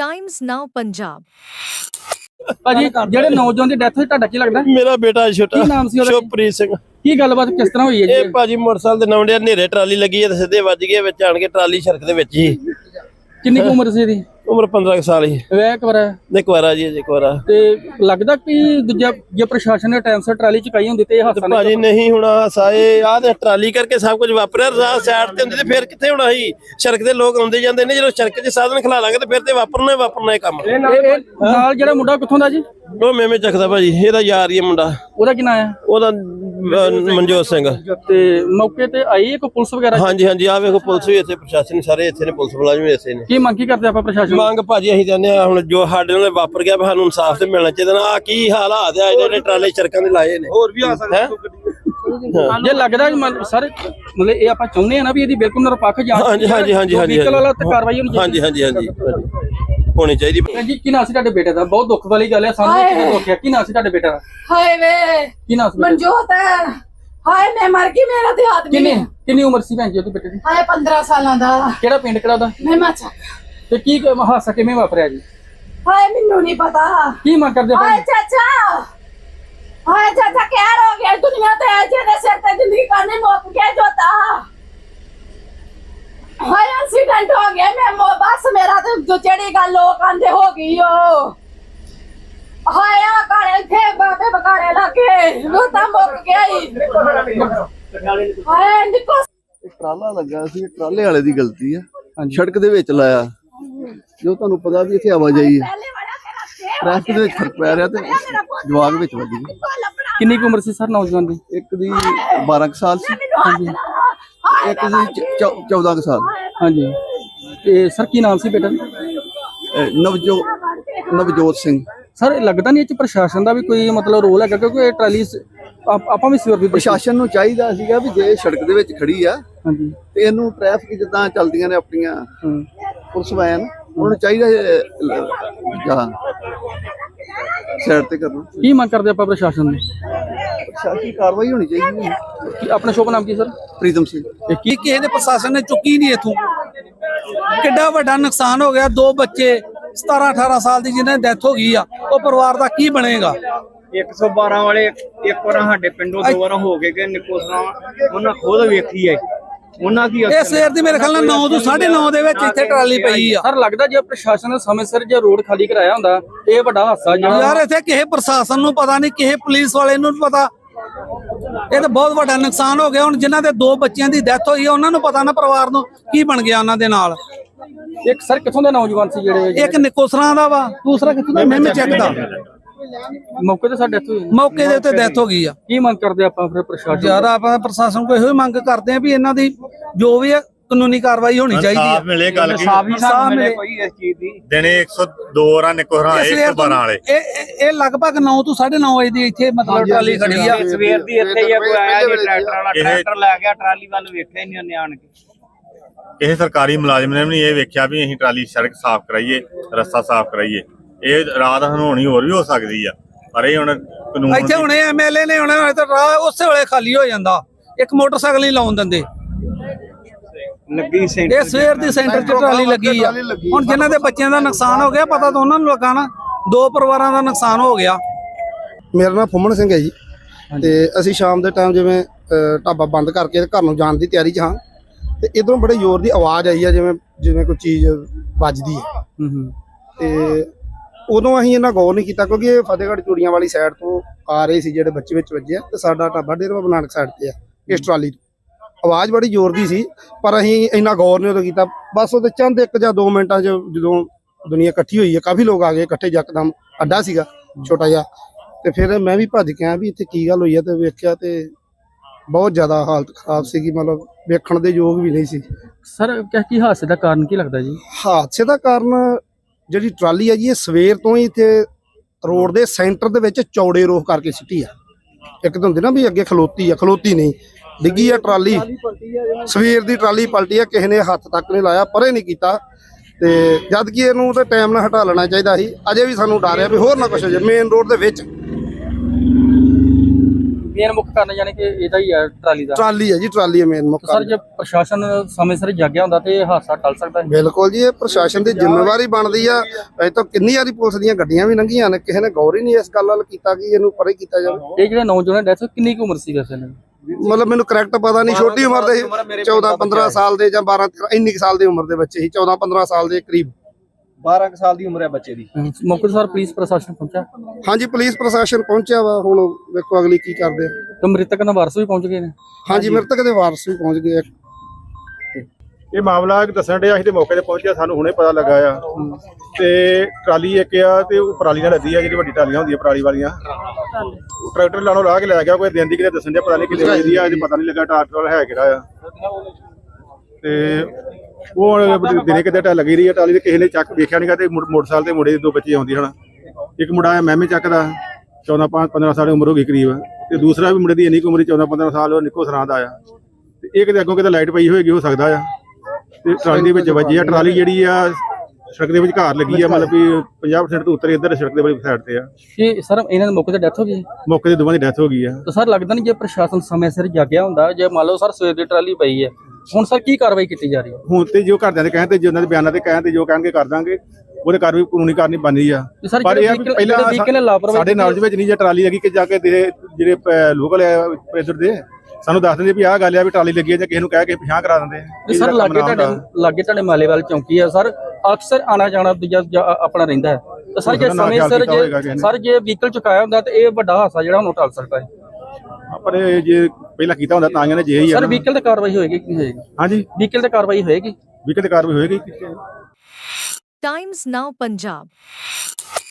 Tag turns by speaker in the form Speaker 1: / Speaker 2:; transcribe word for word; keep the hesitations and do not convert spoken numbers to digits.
Speaker 1: Times now Punjab.
Speaker 2: ਭਾਜੀ ਜਿਹੜੇ ਨੌਜਵਾਨ ਦੀ ਡੈਥ ਹੋਈ ਤੁਹਾਡਾ ਕੀ ਲੱਗਦਾ?
Speaker 3: ਮੇਰਾ ਬੇਟਾ ਛੋਟਾ
Speaker 2: ਕੀ ਨਾਮ ਸੀ ਉਹਦਾ?
Speaker 3: ਸ਼ੁਭਪ੍ਰੀਤ ਸਿੰਘ।
Speaker 2: ਕੀ ਗੱਲਬਾਤ ਕਿਸ ਤਰ੍ਹਾਂ ਹੋਈ ਹੈ
Speaker 3: ਇਹ
Speaker 2: ਜੀ?
Speaker 3: ਭਾਜੀ ਮੋਟਰਸਾਈਕਲ ਦੇ ਨੌਂਡਿਆ ਨੇਰੇ ਟਰਾਲੀ ਲੱਗੀ ਹੈ ਤੇ ਸਿੱਧੇ ਵੱਜ ਗਏ ਵਿੱਚ ਆਣ ਕੇ ਟਰਾਲੀ ਸੜਕ ਦੇ ਵਿੱਚ ਹੀ।
Speaker 2: ਕਿੰਨੀ ਕੁ ਉਮਰ ਸੀ ਇਹਦੀ?
Speaker 3: ਉਮਰ ਪੰਦਰਾਂ ਕੁ ਸਾਲ ਹੀ।
Speaker 2: ਵਿਆਹ ਕਰਾ
Speaker 3: ਇੱਕ ਵਾਰਾ ਜੀ ਇੱਕ ਵਾਰਾ।
Speaker 2: ਤੇ ਲੱਗਦਾ ਕਿ ਦੂਜਾ ਜੇ ਪ੍ਰਸ਼ਾਸਨ ਨੇ ਟਾਈਮ ਸਿਰ ਟਰਾਲੀ ਚੁਕਾਈ ਹੁੰਦੀ ਤੇ ਇਹ ਹਾਦਸਾ ਨਾ
Speaker 3: ਭਾਜੀ ਨਹੀਂ ਹੋਣਾ ਸਾਏ ਆਹ ਤੇ ਟਰਾਲੀ ਕਰਕੇ ਸਭ ਕੁਝ ਵਾਪਰਿਆ। ਰਾਹ ਸਾਈਡ ਤੇ ਹੁੰਦੀ ਤੇ ਫਿਰ ਕਿੱਥੇ ਹੋਣਾ ਸੀ? ਸੜਕ ਦੇ ਲੋਕ ਆਉਂਦੇ ਜਾਂਦੇ ਨੇ, ਜਦੋਂ ਸੜਕ 'ਚ ਸਾਧਨ ਖਲਾ ਲਾਂਗੇ ਤੇ ਫਿਰ ਤੇ ਵਾਪਰਨਾ ਹੀ ਵਾਪਰਨਾ ਇਹ ਕੰਮ।
Speaker 2: ਇਹ- ਇਹ ਨਾਲ ਜਿਹੜਾ ਮੁੰਡਾ ਕਿੱਥੋਂ ਦਾ ਜੀ?
Speaker 3: ਉਹ ਮੇਵੇਂ ਚੱਕਦਾ ਭਾਜੀ, ਇਹਦਾ ਯਾਰ ਹੀ ਹੈ ਮੁੰਡਾ।
Speaker 2: ਉਹਦਾ ਕੀ ਨਾਂ ਹੈ?
Speaker 3: ਉਹਦਾ ਅਹ, ਮਨਜੋਤ ਸਿੰਘ।
Speaker 2: ਤੇ ਮੌਕੇ ਤੇ ਆਈ ਹੈ ਕੋਈ ਪੁਲਿਸ ਵਗੈਰਾ?
Speaker 3: ਹਾਂਜੀ ਹਾਂਜੀ ਆਹ ਵੇਖੋ ਪੁਲਿਸ ਵੀ ਇੱਥੇ, ਪ੍ਰਸ਼ਾਸਨ ਸਾਰੇ ਇੱਥੇ ਨੇ, ਪੁਲਿਸ ਮੁਲਾਜ਼ਮ ਵੀ ਇੱਥੇ ਨੇ।
Speaker 2: ਕੀ ਮੰਗ ਕੀ ਕਰਦੇ ਆਪਾਂ ਪ੍ਰਸ਼ਾਸਨ?
Speaker 3: ਮੰਗ ਭਾਜੀ ਅਸੀਂ ਕਹਿੰਦੇ ਆ ਹੁਣ ਜੋ ਸਾਡੇ ਨਾਲ ਵਾਪਰ ਗਿਆ ਸਾਨੂੰ ਇਨਸਾਫ ਤੇ ਮਿਲਣਾ ਚਾਹੀਦਾ ਨਾ। ਆ ਕੀ ਹਾਲਾਤ ਆ ਜਿਹੜੇ ਟਰਾਲੇ ਸੜਕਾਂ ਦੇ ਲਾਏ ਨੇ, ਹੋਰ ਵੀ ਆ ਸਕਦਾ।
Speaker 2: ਜੇ ਲੱਗਦਾ ਕਿ ਮਨ- ਸਰ ਮਤਲਬ ਇਹ ਆਪਾਂ ਚਾਹੁੰਦੇ ਆ ਨਾ ਵੀ ਇਹਦੀ ਬਿਲਕੁਲ ਨਿਰਪੱਖ ਜਾਂਚ
Speaker 3: ਹਾਂਜੀ ਹਾਂਜੀ ਹਾਂਜੀ ਹਾਂਜੀ
Speaker 2: ਵਹੀਕਲ ਵਾਲਾ ਤੇ ਕਾਰਵਾਈ ਹੋਣੀ
Speaker 3: ਹਾਂਜੀ ਹਾਂਜੀ ਹਾਂਜੀ ਹੋਣੀ ਚਾਹੀਦੀ।
Speaker 2: ਚਾਹੀਦੀ। ਜੀ ਕੀ ਨਾਂ ਸੀ ਤੁਹਾਡੇ ਬੇਟੇ ਦਾ? ਬਹੁਤ ਦੁੱਖ ਵਾਲੀ ਗੱਲ ਹੈ ਸਾਨੂੰ ਕਿਹਨੇ ਦੁੱਖਿਆ। ਕੀ ਨਾਂ ਸੀ ਤੁਹਾਡੇ ਬੇਟੇ ਦਾ?
Speaker 4: ਹਾਏ ਵੇ
Speaker 2: ਕੀ ਨਾਂ ਸੀ ਬੇਟੇ ਦਾ?
Speaker 4: ਮਨਜੋਤ ਹੈ। ਹਾਏ ਮੈਂ ਮਰ ਗਈ, ਮੇਰਾ ਤੇ ਆਦਮੀ
Speaker 2: ਕਿੰਨੀ
Speaker 4: ਹੈ।
Speaker 2: ਕਿੰਨੀ ਉਮਰ ਸੀ ਭੈਣ ਜੀ ਉਹਦੇ ਬੇਟੇ ਦੀ?
Speaker 4: ਹਾਏ ਪੰਦਰਾਂ ਸਾਲਾਂ ਦਾ।
Speaker 2: ਕਿਹੜਾ ਪਿੰਡ ਕਿਹੜਾ ਉਹਦਾ?
Speaker 4: ਮੈਂ ਮਾਚਾ।
Speaker 2: ਤੇ ਕੀ ਹਾਦਸਾ ਕਿਵੇਂ ਵਾਪਰਿਆ ਜੀ?
Speaker 4: ਹਾਏ ਮੈਨੂੰ ਨਹੀਂ ਪਤਾ।
Speaker 2: ਕੀ ਮੰਗ ਕਰਦੇ
Speaker 4: ਹਾਏ
Speaker 2: ਭੈਣ?
Speaker 4: ਚਾਚਾ, ਹਾਏ ਚਾਚਾ ਕਹਿ ਹੋ ਗਿਆ ਦੁਨੀਆ ਤੇ ਜਿਹਦੇ ਸਿਰ ਤੇ ਜ਼ਿੰਦਗੀ ਕਰਨੀ ਮੁੱਕ ਗਿਆ ਜੋਤਾ। ਹਾਏ ਐਕਸੀਡੈਂਟ ਹੋ ਗਿਆ, ਮੈਂ ਮੋ- ਬਸ ਮੇਰਾ ਤੇ ਜੋ ਜਿਹੜੀ ਗੱਲ ਲੋਕ ਆਂਦੇ ਹੋ ਗਈ ਓ। ਹਾਏ ਆ ਕਾਲੇ ਥੇ ਬਾਬੇ ਬਕਾਲੇ ਲਾਗੇ ਰੋਤਾ ਮੁੱਕ ਗਿਆ ਈ। ਹਾਏ ਨਿਕੋ
Speaker 5: ਟਰਾਲਾ ਲੱਗਾ ਸੀ, ਟਰਾਲੇ ਵਾਲੇ ਦੀ ਗਲਤੀ ਹੈ। ਸੜਕ ਦੇ ਵਿੱਚ ਲਾਇਆ, ਜੋ ਤੁਹਾਨੂੰ ਪਤਾ ਵੀ ਇੱਥੇ ਆਵਾਜਾਈ ਹੈ,
Speaker 4: ਪਹਿਲੇ ਵਾਲਾ ਤੇਰਾ ਸੇਵ
Speaker 5: ਟ੍ਰੈਫਿਕ ਦੇ ਵਿੱਚ ਫਰਕ ਪੈ ਰਿਹਾ ਤੇ ਜਵਾਗ ਵਿੱਚ ਵੱਜ ਗਈ।
Speaker 2: ਕਿੰਨੀ ਕੁ ਉਮਰ ਸੀ ਸਰ ਨੌਜਵਾਨ ਦੀ?
Speaker 5: ਇੱਕ ਦੀ ਬਾਰਾਂ ਕੁ ਸਾਲ ਸੀ, ਇੱਕ ਦੀ ਚੌਦਾਂ ਕੁ ਸਾਲ।
Speaker 2: ਹਾਂਜੀ ਤੇ ਸਰ ਕੀ ਨਾਮ ਸੀ ਬੇਟਾ?
Speaker 5: ਅਹ ਨਵਜੋ ਨਵਜੋਤ ਸਿੰਘ।
Speaker 2: ਸਰ ਲੱਗਦਾ ਨਹੀਂ ਇਹ ਚ ਪ੍ਰਸ਼ਾਸਨ ਦਾ ਵੀ ਕੋਈ ਮਤਲਬ ਰੋਲ ਹੈਗਾ ਕਿਉਂਕਿ ਇਹ ਟਰਾਲੀ ਸ- ਆਪ- ਆਪਾਂ ਵੀ ਸਿਰ ਵੀ
Speaker 5: ਪ੍ਰਸ਼ਾਸਨ ਨੂੰ ਚਾਹੀਦਾ ਸੀਗਾ ਵੀ ਜੇ ਸੜਕ ਦੇ ਵਿੱਚ ਖੜੀ ਆ
Speaker 2: ਹਾਂਜੀ
Speaker 5: ਤੇ ਇਹਨੂੰ ਟ੍ਰੈਫਿਕ ਜਿੱਦਾਂ ਚੱਲਦੀਆਂ ਨੇ ਆਪਣੀਆਂ
Speaker 2: ਹਮ।
Speaker 5: ਪੁਲਿਸ ਵੈਨ, ਉਹਨੂੰ ਚਾਹੀਦਾ ਜਾਂ ਸਾਈਡ ਤੇ ਕਰਨਾ।
Speaker 2: ਕੀ ਮੰਗ ਕਰਦੇ ਆਪਾਂ ਪ੍ਰਸ਼ਾਸਨ ਨੂੰ?
Speaker 5: ਪ੍ਰਸ਼ਾਸਨੀ ਕਾਰਵਾਈ ਹੋਣੀ ਚਾਹੀਦੀ ਹੈ।
Speaker 2: ਕੀ ਆਪਣਾ ਸ਼ੁਭ ਨਾਮ ਕੀ ਸਰ?
Speaker 5: ਪ੍ਰੀਤਮ ਸਿੰਘ।
Speaker 2: ਇਹ ਕੀ
Speaker 6: ਕਿਸੇ ਨੇ ਪ੍ਰਸ਼ਾਸਨ ਨੇ ਚੁੱਕੀ ਨਹੀਂ ਇਥੋਂ। ਕਿੱਡਾ ਵੱਡਾ ਨੁਕਸਾਨ ਹੋ ਗਿਆ। ਦੋ ਬੱਚੇ ਸਤਾਰਾਂ ਅਠਾਰਾਂ ਸਾਲ ਦੀ ਜਿਹਨਾਂ ਦੀ ਡੈਥ ਹੋ ਗਈ ਆ, ਉਹ ਪਰਿਵਾਰ ਦਾ ਕੀ ਬਣੇਗਾ?
Speaker 7: ਇੱਕ ਸੌ ਬਾਰਾਂ ਵਾਲੇ ਇੱਕ ਵਾਰ ਸਾਡੇ ਪਿੰਡੋਂ ਦੋ ਵਾਰ ਹੋ ਗਏ ਕਿ ਨਿਕੋਸਰਾ ਉਹਨਾਂ ਖੁਦ ਵੇਖੀ ਹੈ। ਉਹਨਾਂ ਕੀ
Speaker 6: ਇਹ ਸਵੇਰ ਦੀ ਮੇਰੇ ਖਿਆਲ ਨਾਲ ਨੌ ਤੋਂ ਸਾਢੇ ਨੌ ਦੇ ਵਿੱਚ ਇੱਥੇ ਟਰਾਲੀ ਪਈ ਆ।
Speaker 2: ਸਰ ਲੱਗਦਾ ਜੇ ਪ੍ਰਸ਼ਾਸਨ ਨੇ ਸਮੇਂ ਸਿਰ ਜੇ ਰੋਡ ਖਾਲੀ ਕਰਾਇਆ ਹੁੰਦਾ ਇਹ ਵੱਡਾ ਹਾਦਸਾ ਜਿਹੜਾ
Speaker 6: ਯਾਰ ਇੱਥੇ ਕਿਸੇ ਪ੍ਰਸ਼ਾਸਨ ਨੂੰ ਪਤਾ ਨਹੀਂ, ਕਿਸੇ ਪੁਲਿਸ ਵਾਲੇ ਨੂੰ ਨੀ ਪਤਾ। ਇਹ ਤਾਂ ਬਹੁਤ ਵੱਡਾ ਨੁਕਸਾਨ ਹੋ ਗਿਆ। ਹੁਣ ਜਿਨ੍ਹਾਂ ਦੇ ਦੋ ਬੱਚਿਆਂ ਦੀ ਡੈਥ ਹੋਈ ਆ ਉਹਨਾਂ ਨੂੰ ਪਤਾ ਨਾ ਪਰਿਵਾਰ ਨੂੰ ਕੀ ਬਣ ਗਿਆ ਉਹਨਾਂ ਦੇ ਨਾਲ।
Speaker 2: ਇੱਕ ਸਰ ਕਿੱਥੋਂ ਦੇ ਨੌਜਵਾਨ ਸੀ ਜਿਹੜੇ
Speaker 6: ਇੱਕ ਨਿਕੋਸਰਾਂ ਦਾ ਵਾ, ਦੂਸਰਾ ਕਿੱਥੋਂ ਦਾ? ਮੈਂ ਚੈੱਕ ਦਾ
Speaker 2: ਮੌਕੇ ਤੇ ਸਾਡੇ ਇੱਥੇ
Speaker 6: ਮੌਕੇ ਦੇ ਉੱਤੇ ਡੈਥ ਹੋ ਗਈ ਆ।
Speaker 2: ਕੀ ਮੰਗ ਕਰਦੇ ਆਪਾਂ ਫਿਰ ਪ੍ਰਸ਼ਾਸਨ?
Speaker 6: ਯਾਰ ਆਪਾਂ ਪ੍ਰਸ਼ਾਸਨ ਕੋਲ ਇਹੋ ਹੀ ਮੰਗ ਕਰਦੇ ਆ ਵੀ ਇਹਨਾਂ ਦੀ ਜੋ ਵੀ ਹੈ ਕਾਨੂੰਨੀ ਕਾਰਵਾਈ ਹੋਣੀ ਚਾਹੀਦੀ ਹੈ।
Speaker 8: ਸਾਫ ਮਿਲੇ ਗੱਲ ਕੀ
Speaker 7: ਸਾਫ ਹੀ
Speaker 6: ਸਾਫ਼
Speaker 7: ਸਾਨੂੰ ਮਿਲੇ
Speaker 6: ਮਿਲੇ।
Speaker 7: ਕੋਈ ਇਸ ਚੀਜ਼ ਦੀ।
Speaker 8: ਦਿਨੇ ਇੱਕ ਸੌ ਦੋ ਰਾਂ ਨਿਕੋਹਰਾਂ
Speaker 6: ਇਹ
Speaker 8: ਇੱਕ
Speaker 6: ਸਵੇਰ
Speaker 8: ਸੌ ਬਾਰਾਂ ਵਾਲੇ
Speaker 6: ਇਹ ਇਹ- ਇਹ ਲਗਭਗ ਨੌ ਤੋਂ ਸਾਢੇ ਨੌ ਵਜੇ ਦੀ ਇੱਥੇ ਮਤਲਬ ਟਰਾਲੀ ਖੜੀ ਆ।
Speaker 7: ਸਵੇਰ ਦੀ ਇੱਥੇ ਹੀ ਆ, ਕੋਈ ਆਇਆ ਨਹੀਂ ਟਰੈਕਟਰ ਵਾਲਾ,
Speaker 8: ਇਹ-
Speaker 7: ਟਰੈਕਟਰ ਲੈ ਗਿਆ ਟਰਾਲੀ ਵੱਲ ਵੇਖਿਆ ਹੀ ਨਹੀਂ ਉਹਨੇ ਆਣ ਕੇ।
Speaker 8: ਕਿਸੇ ਸਰਕਾਰੀ ਮੁਲਾਜ਼ਮ ਨੇ ਵੀ ਨਹੀਂ ਇਹ ਵੇਖਿਆ ਵੀ ਅਸੀਂ ਟਰਾਲੀ ਸੜਕ ਸਾਫ਼ ਕਰਾਈਏ, ਰਸਤਾ ਸਾਫ਼ ਕਰਾਈਏ। ਇਹ ਰਾਤ ਹਨੋਣੀ ਹੋਰ ਵੀ ਹੋ ਸਕਦੀ ਆ, ਪਰ ਇਹ ਹੁਣ ਕਾਨੂੰਨ
Speaker 6: ਇੱਥੇ ਹੁਣੇ ਐਮਐਲਏ ਨੇ ਹੁਣੇ ਤਾਂ ਰਾਹ ਉਸੇ ਵੇਲੇ ਖਾਲੀ ਹੋ ਜਾਂਦਾ। ਇੱਕ ਮੋਟਰਸਾਈਕਲ ਨਹੀਂ ਲਾਉਣ ਦਿੰਦੇ।
Speaker 7: ਲੱਗੀ ਸੈਂਟਰ
Speaker 6: ਇਹ ਸਵੇਰ ਦੀ ਸੈਂਟਰ 'ਚ ਟਰਾਲੀ ਲੱਗੀ ਆ। ਹੁਣ ਜਿਨ੍ਹਾਂ ਦੇ ਬੱਚਿਆਂ ਦਾ ਨੁਕਸਾਨ ਹੋ ਗਿਆ ਪਤਾ ਤਾਂ ਉਹਨਾਂ ਨੂੰ ਲੱਗਾ ਨਾ। ਦੋ ਪਰਿਵਾਰਾਂ ਦਾ ਨੁਕਸਾਨ ਹੋ ਗਿਆ।
Speaker 9: ਮੇਰਾ ਨਾਮ ਫੁੰਮਣ ਸਿੰਘ ਹੈ ਜੀ ਤੇ ਅਸੀਂ ਸ਼ਾਮ ਦੇ ਟਾਈਮ ਜਿਵੇਂ ਅ, ਢਾਬਾ ਬੰਦ ਕਰਕੇ ਤੇ ਘਰ ਨੂੰ ਜਾਣ ਦੀ ਤਿਆਰੀ 'ਚ ਹਾਂ ਤੇ ਇਧਰੋਂ ਬੜੇ ਜ਼ੋਰ ਦੀ ਆਵਾਜ਼ ਆਈ ਆ, ਜਿਵੇਂ ਜਿਵੇਂ ਕੋਈ ਚੀਜ਼ ਵੱਜਦੀ ਹੈ।
Speaker 2: ਹੂੰ ਹੂੰ
Speaker 9: ਤੇ ਉਦੋਂ ਅਸੀਂ ਇਹਨਾਂ ਗੌਰ ਨਹੀਂ ਕੀਤਾ ਕਿਉਂਕਿ ਇਹ ਫਤਿਹਗੜ੍ਹ ਚੂੜੀਆਂ ਵਾਲੀ ਸਾਈਡ ਤੋਂ ਆ ਰਹੇ ਸੀ ਜਿਹੜੇ ਬੱਚੇ ਵਿੱਚ ਵੱਜੇ ਆ ਤੇ ਸਾਡਾ ਢਾਬਾ ਡੇਰਾ ਬਾਬਾ ਨਾਨਕ ਸਾਈਡ ਤੇ ਆ। ਇਸ ਟਰਾਲੀ ਤੋਂ ਆਵਾਜ਼ ਬੜੀ ਜ਼ੋਰ ਦੀ ਸੀ ਪਰ ਅਸੀਂ ਇੰਨਾ ਗੌਰ ਨਹੀਂ ਉਦੋਂ ਕੀਤਾ। ਬਸ ਉਹਦੇ ਚੰਦ ਇੱਕ ਜਾਂ ਦੋ ਮਿੰਟਾਂ 'ਚ ਜਦੋਂ ਦੁਨੀਆ ਇਕੱਠੀ ਹੋਈ ਹੈ, ਕਾਫੀ ਲੋਕ ਆ ਗਏ ਇਕੱਠੇ, ਯਕਦਮ ਅੱਡਾ ਸੀਗਾ ਛੋਟਾ ਜਿਹਾ, ਤੇ ਫਿਰ ਮੈਂ ਵੀ ਭੱਜ ਕੇ ਆਇਆ ਵੀ ਇੱਥੇ ਕੀ ਗੱਲ ਹੋਈ ਹੈ ਤੇ ਵੇਖਿਆ ਤੇ ਬਹੁਤ ਜ਼ਿਆਦਾ ਹਾਲਤ ਖਰਾਬ ਸੀਗੀ, ਮਤਲਬ ਵੇਖਣ ਦੇ ਯੋਗ ਵੀ ਨਹੀਂ ਸੀ।
Speaker 2: ਸਰ ਕਿਆ ਕੀ ਹਾਦਸੇ ਦਾ ਕਾਰਨ ਕੀ ਲੱਗਦਾ ਜੀ?
Speaker 9: ਹਾਦਸੇ ਦਾ ਕਾਰਨ ਜਿਹੜੀ ਟਰਾਲੀ ਹੈ ਜੀ ਇਹ ਸਵੇਰ ਤੋਂ ਹੀ ਇੱਥੇ ਰੋਡ ਦੇ ਸੈਂਟਰ ਦੇ ਵਿੱਚ ਚੌੜੇ ਰੋਹ ਕਰਕੇ ਸਿੱਟੀ ਆ। ਇੱਕ ਤਾਂ ਹੁੰਦੀ ਨਾ ਵੀ ਅੱਗੇ ਖਲੋਤੀ ਆ, ਖਲੋਤੀ ਨਹੀਂ, ਡਿੱਗੀ ਆ ਟਰਾਲੀ। ਸਵੇਰ ਦੀ ਟਰਾਲੀ ਪਲਟੀ ਆ, ਕਿਸੇ ਨੇ ਹੱਥ ਤੱਕ ਨਹੀਂ ਲਾਇਆ, ਪਰੇ ਨਹੀਂ ਕੀਤਾ। ਤੇ ਜਦ ਕਿ ਇਹਨੂੰ ਤੇ ਟਾਈਮ ਨਾਲ ਹਟਾ ਲੈਣਾ ਚਾਹੀਦਾ ਸੀ। ਅਜੇ ਵੀ ਸਾਨੂੰ ਡਰ ਆ ਵੀ ਹੋਰ ਨਾ ਕੁਛ ਹੋ ਜਾਏ ਮੇਨ ਰੋਡ ਦੇ ਵਿੱਚ।
Speaker 2: ਮੇਨ ਮੁੱਖ ਕਾਰਨ ਜਾਨੀ ਕਿ ਇਹਦਾ ਹੀ ਹੈ ਟਰਾਲੀ ਦਾ।
Speaker 9: ਟਰਾਲੀ ਹੈ ਜੀ, ਟਰਾਲੀ ਹੈ ਮੇਨ ਮੁੱਖ
Speaker 2: ਸਰ
Speaker 9: ਕਾਰਨ।
Speaker 2: ਜੇ ਪ੍ਰਸ਼ਾਸਨ ਸਮੇਂ ਸਿਰ ਜਾਗਿਆ ਹੁੰਦਾ ਤੇ ਇਹ ਹਾਦਸਾ ਟਲ ਸਕਦਾ ਹੈ।
Speaker 9: ਬਿਲਕੁਲ ਜੀ, ਇਹ ਪ੍ਰਸ਼ਾਸਨ ਦੀ ਜ਼ਿੰਮੇਵਾਰੀ ਬਣਦੀ ਆ। ਅਜੇ ਤਾਂ ਕਿੰਨੀ ਵਾਰੀ ਪੁਲਿਸ ਦੀਆਂ ਗੱਡੀਆਂ ਵੀ ਲੰਘੀਆਂ ਨੇ, ਕਿਸੇ ਨੇ ਗੌਰ ਹੀ ਨਹੀਂ ਇਸ ਗੱਲ ਵੱਲ ਕੀਤਾ ਕਿ ਇਹਨੂੰ ਪਰੇ ਕੀਤਾ ਜਾਵੇ।
Speaker 2: ਇਹ ਜਿਹੜੇ ਨੌਜਵਾਨ ਡੈਥ ਕਿੰਨੀ ਕੁ ਉਮਰ ਸੀ ਵੈਸੇ ਇਹਨਾਂ ਦੀ?
Speaker 9: ਮਤਲਬ ਮੈਨੂੰ ਕਰੈਕਟ ਪਤਾ ਨਹੀਂ, ਛੋਟੀ ਉਮਰ ਦੇ ਚੌਦਾਂ ਪੰਦਰਾਂ ਸਾਲ ਦੇ ਜਾਂ ਬਾਰਾਂ ਤੇਰਾਂ ਇੰਨੀ ਕੁ ਸਾਲ ਦੀ ਉਮਰ ਦੇ ਬੱਚੇ ਸੀ, ਚੌਦਾਂ ਪੰਦਰਾਂ ਸਾਲ ਦੇ ਕਰੀਬ।
Speaker 7: ਬਾਰਾਂ ਕੁ ਸਾਲ ਦੀ ਉਮਰ ਹੈ ਬੱਚੇ ਦੀ।
Speaker 2: ਮੌਕੇ ਤੇ ਸਰ ਪੁਲਿਸ ਪ੍ਰਸ਼ਾਸਨ ਪਹੁੰਚਿਆ?
Speaker 9: ਹਾਂਜੀ, ਪੁਲਿਸ ਪ੍ਰਸ਼ਾਸਨ ਪਹੁੰਚਿਆ ਵਾ, ਹੁਣ ਵੇਖੋ ਅਗਲੀ ਕੀ ਕਰਦੇ ਆ।
Speaker 2: ਤੇ ਮ੍ਰਿਤਕ ਦੇ ਵਾਰਸ ਵੀ ਪਹੁੰਚ ਗਏ ਨੇ?
Speaker 9: ਹਾਂਜੀ, ਮ੍ਰਿਤਕ ਦੇ ਵਾਰਸ ਵੀ ਪਹੁੰਚ ਗਏ ਆ।
Speaker 1: ਇਹ ਮਾਮਲਾ ਦੱਸਣ ਡਿਆ, ਅਸੀਂ ਤੇ ਮੌਕੇ ਤੇ ਪਹੁੰਚਿਆ, ਸਾਨੂੰ ਹੁਣੇ ਪਤਾ ਲੱਗਾ ਆ। ਤੇ ਟਰਾਲੀ ਇੱਕ ਆ ਤੇ ਉਹ ਪਰਾਲੀ ਨਾਲ ਲੱਦੀ ਆ, ਜਿਹੜੀ ਵੱਡੀ ਟਰਾਲੀਆਂ ਹੁੰਦੀਆਂ ਪਰਾਲੀ ਵਾਲੀਆਂ। ਟਰੈਕਟਰ ਲਾਣੋਂ ਲਾਹ ਕੇ ਲੈ ਗਿਆ, ਕੋਈ ਦਿਨ ਦੀ ਕਿਤੇ ਦੱਸਣ ਡਿਆ, ਪਤਾ ਨਹੀਂ ਕਿਤੇ ਵਜਦੀ ਆ, ਪਤਾ ਨਹੀਂ ਲੱਗਾ ਟਰੈਕਟਰ ਹੈ ਕਿਹੜਾ ਆ। ਤੇ ਉਹ ਦਿਨੇ ਕਿਤੇ ਟਾ ਲੱਗੀ ਰਹੀ ਆ ਟਰਾਲੀ, ਤੇ ਕਿਸੇ ਨੇ ਚੱਕ ਵੇਖਿਆ ਨਹੀਂਗਾ। ਤੇ ਮੋਟਰਸਾਈਕਲ ਤੇ ਮੁੰਡੇ ਦੋ ਬੱਚੇ ਆਉਂਦੇ ਹਨ। ਇੱਕ ਮੁੰਡਾ ਆ ਮਹਿਮੇ ਚੱਕ ਦਾ, ਚੌਦਾਂ ਪੰਦਰਾਂ ਸਾਲ ਉਮਰ ਹੋ ਗਈ ਕਰੀਬ। ਤੇ ਦੂਸਰਾ ਵੀ ਮੁੰਡੇ ਦੀ ਇੰਨੀ ਕੁ ਉਮਰ ਚੌਦਾਂ ਪੰਦਰਾਂ ਸਾਲ, ਉਹ ਨਿੱਕੋ ਸਰਾਂ ਦਾ ਆ। ਤੇ ਇਹ ਕਿਤੇ ਅੱਗੋਂ ਕਿਤੇ ਲਾਈਟ ਪਈ ਹੋਏਗੀ, ਹੋ ਸਕਦਾ ਆ। ਤੇ ਟਰਾਲੀ ਦੇ ਵਿੱਚ ਵੱਜੀ ਆ। ਟਰਾਲੀ ਜਿਹੜੀ ਆ ਸੜਕ ਦੇ ਵਿੱਚ ਘਾਰ ਲੱਗੀ ਆ, ਮਤਲਬ ਕਿ ਪੰਜਾਹ ਪ੍ਰਸੈਂਟ ਤੋਂ ਉੱਤਰ ਇੱਧਰ ਸੜਕ ਦੇ ਵਾਲੀ ਸਾਈਡ ਤੇ ਆ।
Speaker 2: ਕਿ ਸਰ ਇਹਨਾਂ ਦੇ ਮੌਕੇ ਤੇ ਡੈਥ ਹੋ ਗਈ?
Speaker 1: ਮੌਕੇ ਤੇ ਦੋਵਾਂ ਦੀ ਡੈਥ ਹੋ ਗਈ ਆ।
Speaker 2: ਤਾਂ ਸਰ ਲੱਗਦਾ ਨਹੀਂ ਜੇ ਪ੍ਰਸ਼ਾਸਨ ਸਮੇਂ ਸਿਰ ਜਾਗਿਆ ਹੁੰਦਾ, ਜੇ ਮੰਨ ਲਓ ਸਰ ਸਵੇਰ ਦੀ ਟਰਾਲੀ ਪਈ ਹੈ, ਹੁਣ ਸਰ ਕੀ ਕਾਰਵਾਈ ਕੀਤੀ ਜਾ ਰਹੀ ਹੈ?
Speaker 1: ਹੁਣ ਤੇ ਜੋ ਘਰਦਿਆਂ ਦੇ ਕਹਿਣ ਤੇ, ਜੋ ਉਹਨਾਂ ਦੇ ਬਿਆਨਾਂ ਤੇ ਕਹਿਣ ਤੇ ਜੋ ਕਹਿਣਗੇ ਕਰ ਦਾਂਗੇ, ਉਹਦੇ ਕਾਰਵਾਈ ਕਾਨੂੰਨੀ ਕਰਨੀ ਬਣਦੀ ਆ। ਪਰ ਇਹ ਆ ਵੀ ਪਹਿਲਾਂ ਸਾਡੇ ਨੌਲੇਜ ਵਿੱਚ ਨਹੀਂ ਜੇ ਟਰਾਲੀ ਲੱਗੀ ਕਿ ਜਾ ਕੇ ਜਿਹੜੇ ਲੋਕਲ ਇੱਧਰ ਦੇ ਸਾਨੂੰ ਦੱਸ ਦਿੰਦੇ ਵੀ ਆਹ ਗੱਲ ਆ ਵੀ ਟਰਾਲੀ ਲੱਗੀ ਆ, ਜਾਂ ਕਿਸੇ ਨੂੰ ਕਹਿ ਕੇ ਪਿਛਾਂ ਕਰਾ ਦਿੰਦੇ।
Speaker 2: ਸਰ ਲਾਗੇ ਤੁਹਾਡੇ ਲਾਗੇ ਤੁਹਾਡੇ ਮਾਲੇਵਾਲ ਚੌਂਕੀ ਆ ਸਰ, ਅਕਸਰ ਆਣਾ ਜਾਣਾ ਦੂਜਾ ਆਪਣਾ ਰਹਿੰਦਾ ਹੈ। ਤਾਂ ਸਰ ਜੇ ਸਮੇਂ ਸਿਰ ਜੇ ਸਰ ਜੇ ਵਹੀਕਲ ਚੁਕਾਇਆ ਹੁੰਦਾ ਤਾਂ ਇਹ ਵੱਡਾ ਹਾਦਸਾ ਜਿਹੜਾ ਹੁਣ ਟਲ ਸਕਦਾ ਹੈ।
Speaker 1: ਪਰ ਜੇ ਪਹਿਲਾਂ ਕੀਤਾ ਹੁੰਦਾ ਤਾਂ ਇਹਨੇ ਜੇ ਹੀ ਆ।
Speaker 2: ਸਰ ਵਹੀਕਲ ਤੇ ਕਾਰਵਾਈ ਹੋਏਗੀ ਕਿ ਨਹੀਂ ਹੋਏਗੀ?
Speaker 1: ਹਾਂਜੀ,
Speaker 2: ਵਹੀਕਲ ਤੇ ਕਾਰਵਾਈ ਹੋਏਗੀ।
Speaker 1: ਵਹੀਕਲ ਤੇ ਕਾਰਵਾਈ ਹੋਏਗੀ।
Speaker 10: Times Now Punjab.